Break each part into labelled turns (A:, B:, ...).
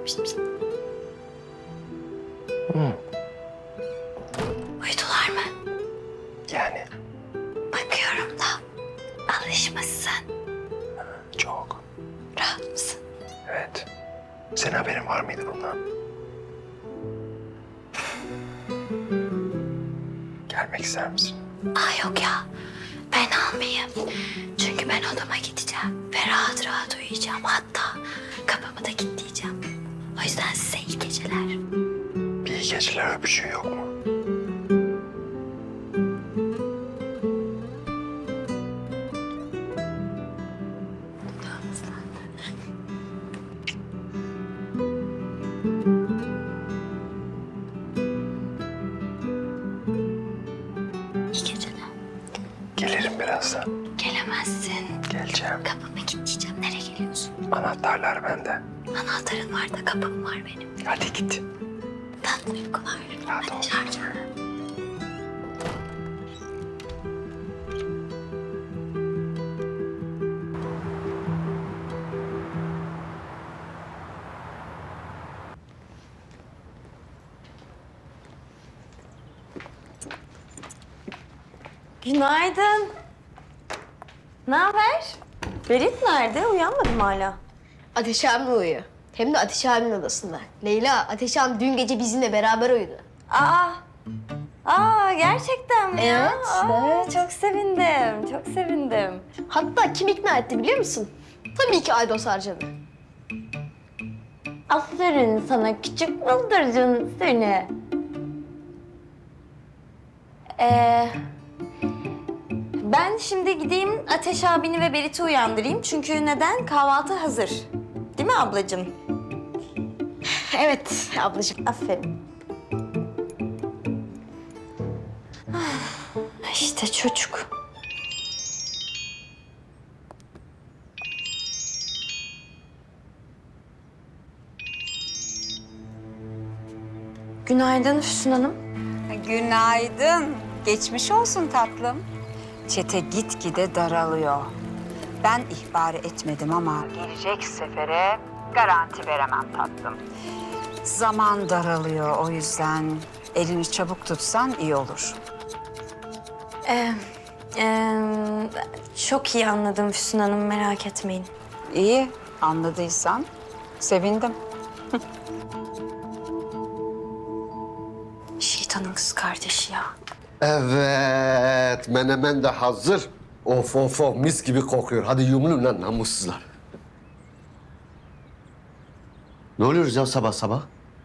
A: Uyudular mı?
B: Yani
A: Bakıyorum da alışmışsın.
B: çok.
A: Rahat mısın?
B: Evet. Senin haberin var mıydı bundan? Gelmek ister misin?
A: Yok ya. Ben almayayım. Çünkü ben odama gideceğim ve rahat rahat uyuyacağım. Hatta kapımı da kilitleyeceğim. O yüzden size iyi geceler.
B: Bir iyi geceler öpücüğü yok mu?
A: İyi geceler.
B: Gelirim birazdan.
A: Gelemezsin.
B: Geleceğim.
A: Kapımı kilitleyeceğim. Nereye geliyorsun?
B: Anahtarlar bende.
A: Anahtarın var da kapım var benim.
B: Hadi git.
A: Tatlı uykular.
B: Rahat ol.
A: Hadi çağır.
C: Günaydın. Ne haber? Berit nerede? Uyanmadım hala.
D: Ateş abim uyuyor. Hem de Ateş abimin odasında. Leyla, Ateş abim dün gece bizimle beraber uyudu.
C: Gerçekten mi ya?
D: Evet,
C: Çok sevindim, çok sevindim.
D: Hatta kim ikna etti biliyor musun? Tabii ki Aydos Arcan'ı.
C: Aferin sana küçük bıldırcın seni. Ben şimdi gideyim Ateş abini ve Berit'i uyandırayım. Çünkü neden? Kahvaltı hazır. Değil mi ablacığım?
D: Evet ablacığım.
C: Aferin. İşte çocuk. Günaydın Füsun Hanım.
E: Günaydın. Geçmiş olsun tatlım. Çete gitgide daralıyor. Ben ihbar etmedim ama gelecek sefere garanti veremem tatlım. Zaman daralıyor, o yüzden elini çabuk tutsan iyi olur.
C: Çok iyi anladım Füsun Hanım, merak etmeyin.
E: İyi, anladıysan sevindim.
C: Şeytanın kız kardeşi ya.
F: Evet, menemen de hazır. Of of of, mis gibi kokuyor. Hadi yumulun lan namussuzlar. Ne oluyoruz ya sabah sabah?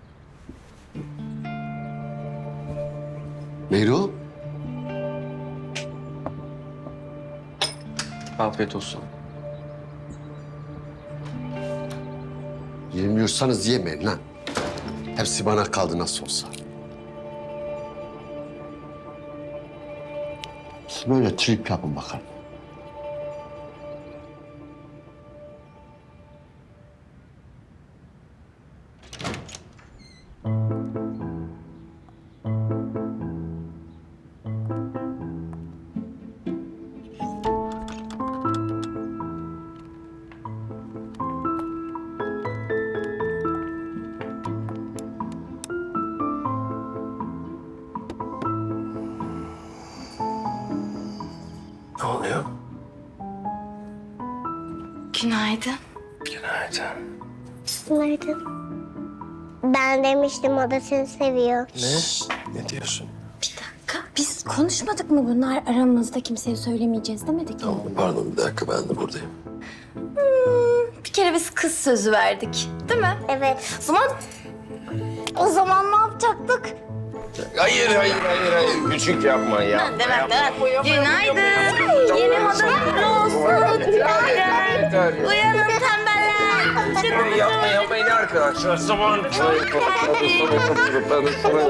F: Meyru?
B: Afiyet olsun.
F: Yemiyorsanız yemeyin lan. Hepsi bana kaldı nasıl olsa. Siz böyle trip yapın bakalım.
B: Ne oluyor?
A: Günaydın.
B: Günaydın.
G: Günaydın. Ben demiştim o da seni seviyor.
B: Ne diyorsun?
C: Biz konuşmadık mı bunlar aramızda, kimseye söylemeyeceğiz demedik mi?
B: Tamam, pardon bir dakika, ben de buradayım.
C: Bir kere biz kız sözü verdik, değil mi?
G: Evet.
C: O zaman ne yapacaktık?
B: Hayır. Küçük yapma ya.
C: Günaydın. Yeni moda kutlu olsun. Günaydın. Uyanın tembeller.
B: Yapmayın arkadaşlar. Zaman.